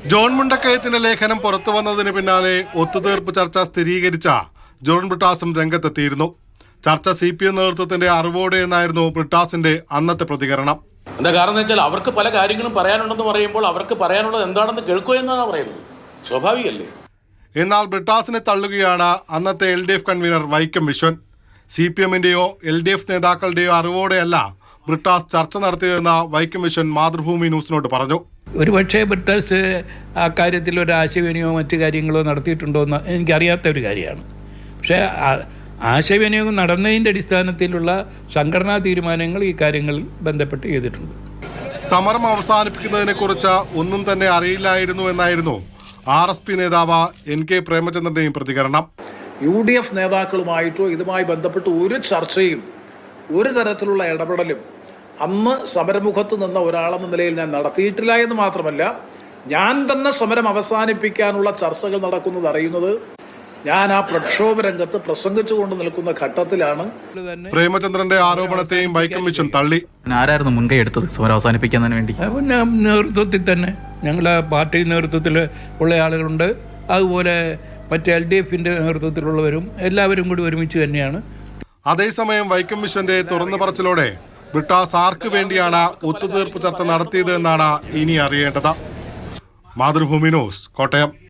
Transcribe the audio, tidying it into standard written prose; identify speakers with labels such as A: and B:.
A: John മുണ്ടക്കയത്തിന്റെ ലേഖനം പുറത്തു വന്നതിന് പിന്നാലെ ഒത്തുതീർപ്പ് ചർച്ച സ്ഥിരീകരിച്ച ജോൺ ബ്രിട്ടാസും രംഗത്തെത്തിയിരുന്നു. ചർച്ച CPM നേതൃത്വത്തിന്റെ അറിവോടെ എന്നായിരുന്നു ബ്രിട്ടാസിന്റെ അന്നത്തെ പ്രതികരണം.
B: എന്താ കാരണം എന്ന് വെച്ചാൽ അവർക്ക് പല കാര്യങ്ങളും പറയാനുണ്ടെന്ന് പറയുമ്പോൾ അവർക്ക് പറയാനുള്ളത് എന്താണെന്ന് കേൾക്കുക എന്നാണ് പറയുന്നത്. സ്വാഭാവികമല്ലേ?
A: എന്നാൽ ബ്രിട്ടാസിനെ തള്ളുകയാണ് അന്നത്തെ LDF കൺവീനർ വൈക്കം വിശ്വൻ. CPMന്റെയോ LDF നേതാക്കളുടെയോ അറിവോടെയല്ല ബ്രിട്ടാസ് ചർച്ച നടത്തിയതെന്ന് വൈക്കം വിശ്വൻ മാതൃഭൂമി ന്യൂസിനോട് പറഞ്ഞു.
C: ഒരുപക്ഷെ ബ്രിട്ടാസ് ആ കാര്യത്തിൽ ഒരു ആശയവിനിയോഗമോ മറ്റു കാര്യങ്ങളോ നടത്തിയിട്ടുണ്ടോ എന്ന് എനിക്കറിയാത്ത ഒരു കാര്യമാണ്. പക്ഷേ ആശയവിനിയോഗം നടന്നതിൻ്റെ അടിസ്ഥാനത്തിലുള്ള സംഘടനാ തീരുമാനങ്ങൾ ഈ കാര്യങ്ങളിൽ ബന്ധപ്പെട്ട് ചെയ്തിട്ടുണ്ട്.
A: സമരം അവസാനിപ്പിക്കുന്നതിനെ കുറിച്ച് ഒന്നും തന്നെ അറിയില്ലായിരുന്നു എന്നായിരുന്നു RSP നേതാവ് NK പ്രേമചന്ദ്രന്റെയും പ്രതികരണം.
D: UDF നേതാക്കളുമായിട്ടോ ഇതുമായി ബന്ധപ്പെട്ട് ഒരു ചർച്ചയും ഒരു തരത്തിലുള്ള ഇടപെടലും അന്ന് സമരമുഖത്ത് നിന്ന ഒരാളെന്ന നിലയിൽ ഞാൻ നടത്തിയിട്ടില്ല എന്ന് മാത്രമല്ല, ഞാൻ തന്നെ സമരം അവസാനിപ്പിക്കാനുള്ള ചർച്ചകൾ നടക്കുന്നത് അറിയുന്നത് ഞാൻ ആ പ്രക്ഷോഭ രംഗത്ത് പ്രസംഗിച്ചുകൊണ്ട് നിൽക്കുന്ന ഘട്ടത്തിലാണ്.
A: പ്രേമചന്ദ്രന്റെ ആരോപണത്തെയും വൈക്കം വിശ്വൻ തള്ളി.
E: ആരായിരുന്നു മുൻകൈ എടുത്തത് സമരം അവസാനിപ്പിക്കുന്നതിന് വേണ്ടി?
C: നേതൃത്വത്തിൽ തന്നെ ഞങ്ങളുടെ പാർട്ടി നേതൃത്വത്തിൽ ഉള്ള ആളുകളുണ്ട്, അതുപോലെ മറ്റേ LDFന്റെ നേതൃത്വത്തിലുള്ളവരും എല്ലാവരും കൂടി ഒരുമിച്ച് തന്നെയാണ്.
A: അതേസമയം വൈക്കം വിശ്വന്റെ തുറന്നു പറച്ചിലോടെ ബ്രിട്ടാസ് ആർക്ക് വേണ്ടിയാണ് ഒത്തുതീർപ്പ് ചർച്ച നടത്തിയത് എന്നാണ് ഇനി അറിയേണ്ടത്. മാതൃഭൂമി ന്യൂസ്, കോട്ടയം.